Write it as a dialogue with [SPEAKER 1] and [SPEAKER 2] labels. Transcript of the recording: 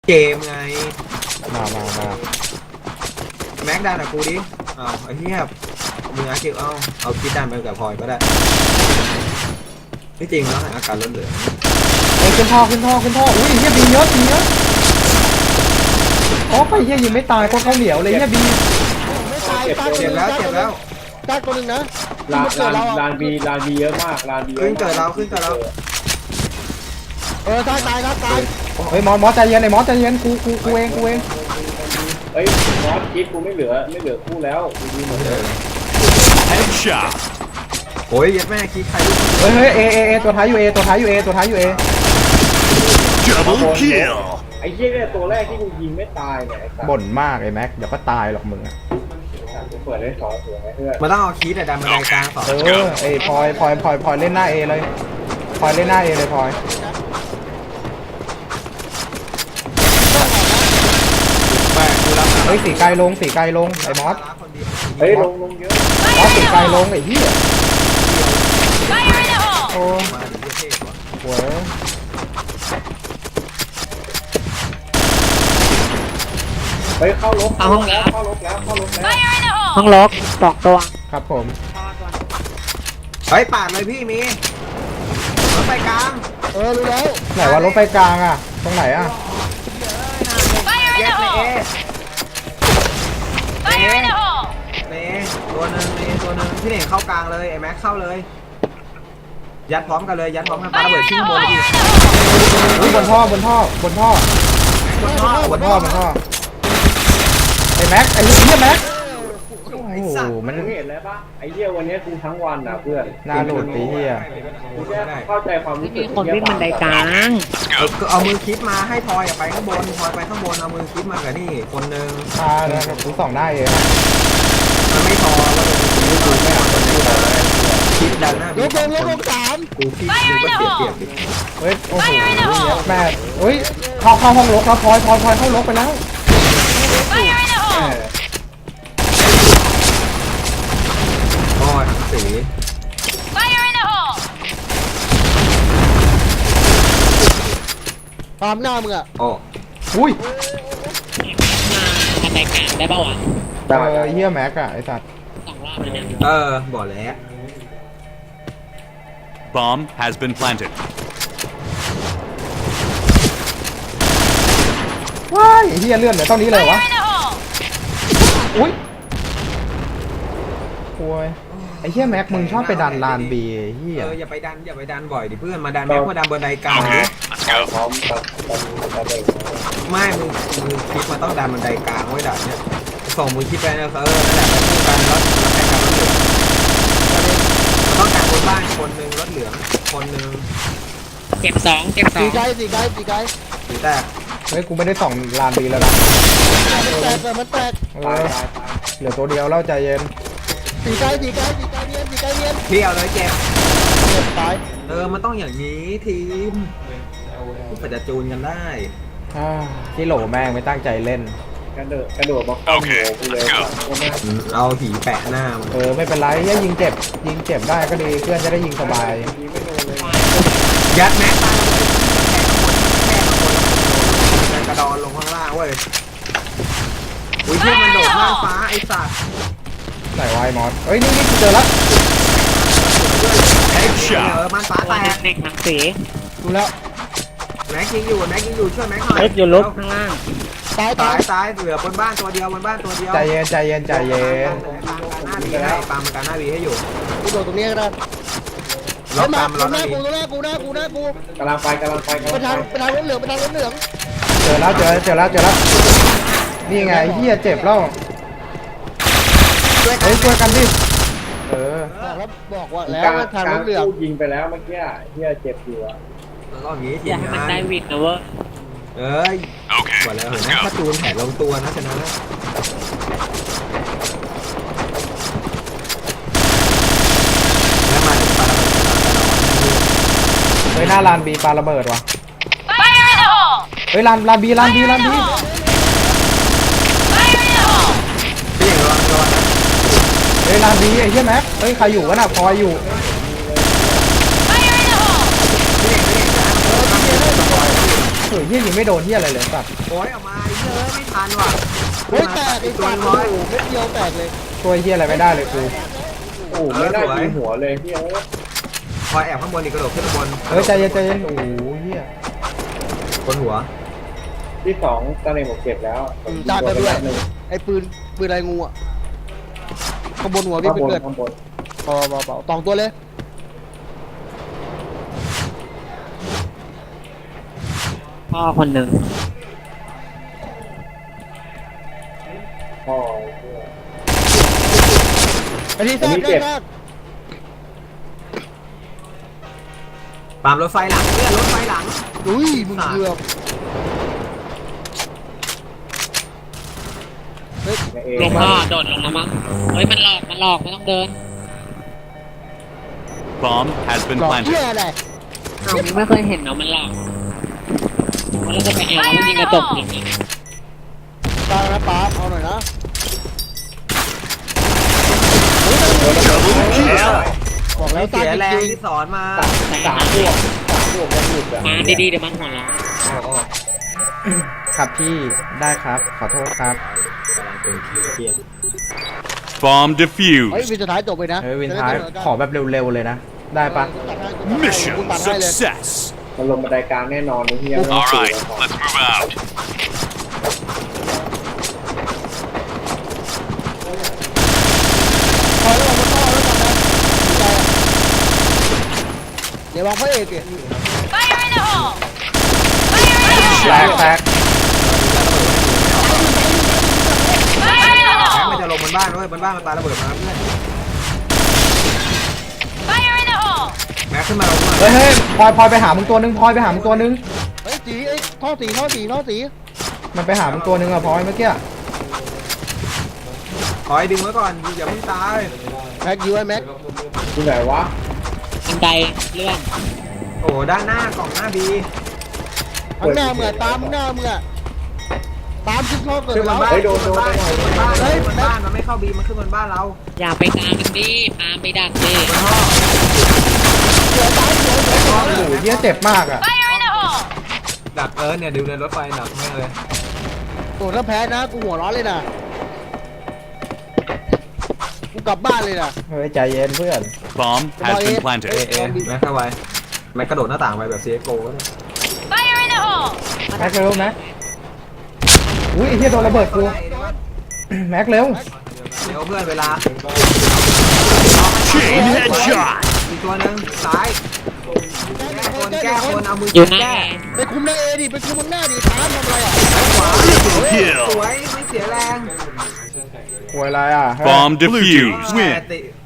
[SPEAKER 1] เกมไง
[SPEAKER 2] มา
[SPEAKER 1] แม็กดันกับกูดิเอาไอ้เหี้ยมึงอาเก็บเอาคิดดันไปกับพลอยก็ได้ที่จริงแล้วอาการล้นเหลือ
[SPEAKER 2] ไอ้ขึ้นท่ออุ้ยเฮียบีเยอะอ๋อไปเฮียยิงไม่ตายคนเขาเหนียวเลยเฮียบี
[SPEAKER 3] ไม่ตายตาย
[SPEAKER 1] เจ็บแล้ว
[SPEAKER 3] ตายตัวหนึ่งนะ
[SPEAKER 4] ลานบีเยอะมากลานบี
[SPEAKER 1] ขึ้นเกิดเรา
[SPEAKER 3] ตายนะตาย
[SPEAKER 2] เฮ้ยมอสใจเย็นไอ้มอสใจเย็นกูเอง
[SPEAKER 4] เฮ้ยมอสคิดกูไม่เหลือคู่แล้วดีหมดเลย
[SPEAKER 5] Headshot
[SPEAKER 1] โอ้ยยัดแม่คิดใครลูก
[SPEAKER 2] เฮ้ยเอตัวท้ายอยู่เอ
[SPEAKER 5] Double kill
[SPEAKER 4] ไอ้เหี้ยเนี่ยตัวแรกที่กูยิงไม่ตายเนี่ย
[SPEAKER 2] บ่นมากไอ้แม็กเดี๋ยวก็ตายหรอกมึงอ่ะ
[SPEAKER 4] เปิดได้2ตัวเพื่อน
[SPEAKER 1] มาต้องเอาคิดแต่ดันมาในกลางต่อ
[SPEAKER 2] ไอ้พลอยเล่นหน้าเอเลยพลอยเล่นหน้าเอเลยพลอยเฮ้ยสีไกลลงไอ้มอส
[SPEAKER 4] เฮ้ยลงเยอะ
[SPEAKER 2] มอสสีไกลลงไอ้เหี้ยโอ้โห
[SPEAKER 4] เฮ้ยเข้าลบแล้ว
[SPEAKER 3] ห้องล็อก2ตัว
[SPEAKER 2] ครับผม
[SPEAKER 1] เฮ้ยปาดเลยพี่มีรถไฟกลาง
[SPEAKER 3] รู้แล้ว
[SPEAKER 2] ไหนว่ารถไฟกลางอ่ะตรงไหนอ่ะ
[SPEAKER 1] แยกเลยเนตัวหนึ่งพี่เน่งเข้ากลางเลยไอ้แม็กเข้าเลยยัดพร้อมกันปาระเบิดชิ้นบน
[SPEAKER 2] บนท่อไอ้แม็กไอ้เหี้ยแม็กโอ้โหมัน
[SPEAKER 4] เห็นแล้วปะไอ้เหี้ยวันนี้กูทั้งวันอ่ะเพื่อน
[SPEAKER 2] น่าหลุดไอ้เหี้ย
[SPEAKER 4] เข้าใจความรู้สึก
[SPEAKER 3] คนวิ่งบันไดกลาง
[SPEAKER 1] เอามือคิดมาให้พลอยไปข้างบนพลอยไปข้างบนเอามือคิดมากับนี่คนนึง
[SPEAKER 2] แล้วกูส่องได้เอง
[SPEAKER 1] มันไม่พอว่าดูไม่เอาคนนึงคิดดันหน้า
[SPEAKER 3] ลบ3
[SPEAKER 1] กูคิดดูก็เสียดิ
[SPEAKER 2] เฮ้ยโอ้โหแม่เฮ้ยเข้าห้องลกแล้วพลอยเข้าลกไปแล้ว
[SPEAKER 1] โอ้ยทั้งสี
[SPEAKER 3] ตามหน้ามึงอ่ะ
[SPEAKER 1] โอ้
[SPEAKER 2] อุ้ย
[SPEAKER 3] บันไดกลางได้ป่าวะ
[SPEAKER 2] เฮียแม็กอะไอสัตว์
[SPEAKER 3] 2 รอบแล้วเนี่ย
[SPEAKER 1] บอกแล้ว
[SPEAKER 5] Bomb has been planted
[SPEAKER 2] ว้ายเฮียเลื่อนเหลือเท่านี้เลยวะอุ้ยโอ้ยไอ้เฮียแม็กมึงชอบไปดันลานบีเฮีย
[SPEAKER 1] อย่าไปดันบ่อยดิเพื่อนมาดันแม็กมาดันบนไดกลาง
[SPEAKER 4] พร้อม
[SPEAKER 1] ไม่มึงคิดมาต้องดันบันไดกลางไว้ดันเนี่ยส่งมือคิดไปนะนั่นแหละไปคู่กันแล้วแข่งกันรถเหลืองต้องการบนบ้านคนนึงรถเหลืองคนนึง
[SPEAKER 3] เก็บ2
[SPEAKER 1] สีแตก
[SPEAKER 2] เฮ้ยกูไม่ได้ส่องลานบีแล้วนะ
[SPEAKER 3] มันแตก
[SPEAKER 2] เหลือตัวเดียวเล่าใจเย็น
[SPEAKER 3] สีไกลเนียน
[SPEAKER 1] เที่ยวเลยเจ็บ
[SPEAKER 3] ตาย
[SPEAKER 1] มันต้องอย่างนี้ทีมก็จะจูนกันได้
[SPEAKER 2] ที่โหลแม่งไม่ตั้งใจเล่น
[SPEAKER 4] กระโดดมาเข้าหัวกูเลย
[SPEAKER 1] เอาหีแปะหน้า
[SPEAKER 2] ไม่เป็นไรถ้ายิงเจ็บได้ก็ดีเพื่อนจะได้ยิงสบาย
[SPEAKER 1] ยัดแม็กตายเลยแค่ข้างบนกระดอนลงข้างล่างเว้ยอุ้ยเพื่อนมันโดดข้างฟ้าไอ้สัตว์
[SPEAKER 2] ไหนวายมอสเฮ้ยนี่เจอแล้ว
[SPEAKER 1] มันฟ้าแตก
[SPEAKER 3] เด็กหนังสี
[SPEAKER 2] ดูแล้ว
[SPEAKER 1] แม็กยิงอยู่ช่วยแม็กหน่อย
[SPEAKER 3] อยู่ลบข้างล่าง
[SPEAKER 1] ตายเหลือบนบ้านตัวเดียว
[SPEAKER 2] ใจเย็น
[SPEAKER 1] หน้าบีให้ปามันกันหน้าบีให้อยู่
[SPEAKER 3] กูโดดตรงนี้ก็ได้
[SPEAKER 1] ล็อกตามล็อกหน้า
[SPEAKER 3] กู
[SPEAKER 4] กำลังไป
[SPEAKER 3] ไปทางรถเหลือง
[SPEAKER 2] เจอแล้วนี่ไงเฮียเจ็บแล้วเฮ้ยช่วยกันดิ
[SPEAKER 3] บอกว่าแล้วทางรถเหลือง
[SPEAKER 4] ยิงไปแล้วเมื่อกี้เฮียเจ็บอยู่อะ
[SPEAKER 1] แล้วก็งี้ทีมงาน
[SPEAKER 3] มันได้วิกนะเว้ย
[SPEAKER 1] กว่าแล้วเห็นไหมถ้าจูนแผนลงตัวนะชนะแล้วมาปาระเบิด
[SPEAKER 2] เฮ้ยหน้าลานบีปาระเบิดว่ะเฮ้ยลานบี
[SPEAKER 1] พี่อย่างระวังนะ
[SPEAKER 2] เฮ้ยลานบีไอ้เหี้ยแม็กเฮ้ยใครอยู่วะน่ะพลอยอยู่เฮ้ยเฮียยิงไม่โดนเฮียอะไรเลยสัตว์
[SPEAKER 1] โอ้ยออกมาไอ้เหี้ยอะไม่ทันว่ะ
[SPEAKER 3] เฮ้ยแตกไอ้
[SPEAKER 1] ตัว
[SPEAKER 3] สัตว์
[SPEAKER 1] น้
[SPEAKER 3] โอ้
[SPEAKER 1] อย
[SPEAKER 3] โหเม็ดเดียวแตกเลย
[SPEAKER 2] ช่วยเฮียอะไรไม่ได้เลยกู
[SPEAKER 4] โอ้ไม่ได้ยิงหัวเลยพี่เอ้ย
[SPEAKER 1] พอแอบข้างบนอีกกระโดดขึ้นข้างบน
[SPEAKER 2] เฮ้ยใจเย็นใจเย็นโอ้โหเฮีย
[SPEAKER 1] บนหัว
[SPEAKER 4] ที่สองตอนนี้ผมเก็บแล้วผม
[SPEAKER 3] จ่ายไปด้วย
[SPEAKER 4] หนึ่ง
[SPEAKER 3] ไอ้ปืนอะไรงูอ่ะข้างบนหัวพี่
[SPEAKER 4] ข้าง
[SPEAKER 3] ไป
[SPEAKER 4] บน
[SPEAKER 3] เกิด
[SPEAKER 4] ข้างบน
[SPEAKER 3] เบาตองตัวเลย
[SPEAKER 6] พ่อคนหนึ่ง
[SPEAKER 4] พ่อ
[SPEAKER 3] ไอ้ที่แทรกได้แทรก
[SPEAKER 1] ปามรถไฟหลังเพื่อนรถไฟหลัง
[SPEAKER 3] อุ้ยมึงเกือบ
[SPEAKER 4] ในเอ
[SPEAKER 6] ลงพ่อโดดลงแล้วมั้งเฮ้ยมันหลอกไม่ต้องเดิน
[SPEAKER 5] Bomb has been
[SPEAKER 3] หลอกเหี้ย
[SPEAKER 5] planted.
[SPEAKER 3] อะไร
[SPEAKER 6] อ้าวมึงไม่เคยเห็นเนาะมันหลอกแล้วก็ไปแอบแล้วยิงกระจกอย่างนี้
[SPEAKER 3] ตานะป๊าเอาหน่อยนะ
[SPEAKER 5] Double kill.
[SPEAKER 3] บอกแล้ว
[SPEAKER 1] เสียแรง
[SPEAKER 3] จริง
[SPEAKER 1] ที่สอนมา
[SPEAKER 4] สามพวกยังหลุดอ่ะ
[SPEAKER 6] มาดีๆเดี๋ยวมันหัวเราะ
[SPEAKER 1] โอ้
[SPEAKER 2] ครับพี่ได้ครับ ขอโทษครับ
[SPEAKER 5] Bomb
[SPEAKER 3] เฮ้ย
[SPEAKER 5] defused.
[SPEAKER 3] วินสุดท้ายจบไปนะ
[SPEAKER 2] เฮ้ยวินท้ายขอแบบเร็วๆเลยนะ ได้ปะ
[SPEAKER 5] Mission
[SPEAKER 3] กูตัดให้เลย
[SPEAKER 5] success.
[SPEAKER 4] มันลงบันไดกลางแน่นอนนี่เฮีย
[SPEAKER 5] All right, let's move out.
[SPEAKER 3] พอแล้วมันต่อแล้วกันนะเดี๋ยววางพระเอกดิ
[SPEAKER 2] แตกแตก
[SPEAKER 1] แม็กมันจะลงบนบ้านด้วยบนบ้านมันตายระเบิดมาเพื่อนแม็กขึ้นมาลงมา
[SPEAKER 2] เฮ้ยเฮ้ยพลอยไปหามึงตัวนึงพลอยไปหามึงตัวนึง
[SPEAKER 3] เฮ้ยสีไอ้ท่อสี
[SPEAKER 2] มันไปหามึงตัวนึงอะพลอยเมื่อกี้
[SPEAKER 1] ขอให้ดึงไว้ก่อนอย่าเพิ่งตาย
[SPEAKER 3] แม็กยูไอ้แม็ก
[SPEAKER 4] ที่ไหนวะ
[SPEAKER 6] บันไดเลื่อน
[SPEAKER 1] โอ้ด้านหน้ากล่องหน้าบี
[SPEAKER 3] ข้างหน้ามึงอะตามหน้ามึงอะตามขึ้นท่อเกิด
[SPEAKER 1] ขึ้นบ
[SPEAKER 3] แล้
[SPEAKER 1] น
[SPEAKER 3] ว
[SPEAKER 1] บ้านขึ้นบนบ้านขึ้นบนบ้าน
[SPEAKER 3] เฮ้ย
[SPEAKER 1] ขึ้นบนบ้านมันไม่เข้าบีมันขึ้นบนบ้านเรา
[SPEAKER 6] อย่าไปตามมันดิตามไปดักดิ
[SPEAKER 1] บนท่อ
[SPEAKER 2] โอ้โหเฮียเจ็บมากอะ
[SPEAKER 1] ดักเนี่ยดูในรถไฟดักแม่งเลย
[SPEAKER 3] โอ้ถ้าแพ้นะกูหัวร้อนเลยนะกูกลับบ้านเลยนะ
[SPEAKER 2] เฮ้ยใจเย็นเพื่อน
[SPEAKER 5] Bomb has been
[SPEAKER 1] เอ
[SPEAKER 5] planted.
[SPEAKER 1] แม็กเข้าไปแม็กกระโดดหน้าต่างไปแบบ CSGO ก็ได้
[SPEAKER 2] แม็กเร็วแม็กอุ้ยไอ้เฮียโดนระเบิดกูแม็กเร็ว
[SPEAKER 1] เดี๋ยวเพื่อนเวลา
[SPEAKER 5] Chain headshot.
[SPEAKER 1] อีกตัวหนึงซ้ายแก้คนเอามือ
[SPEAKER 6] อยู่หน้า
[SPEAKER 1] แก้
[SPEAKER 3] ไปคุมหน้าเอดิไปคุมหน้าดิตามทำอะไรอ่ะ
[SPEAKER 1] ขวา
[SPEAKER 5] Triple kill.
[SPEAKER 1] สวยไม่เสียแรง
[SPEAKER 2] ป่วยอะไรอะ
[SPEAKER 5] Bomb defused.
[SPEAKER 1] แม่
[SPEAKER 5] Win.
[SPEAKER 1] ติ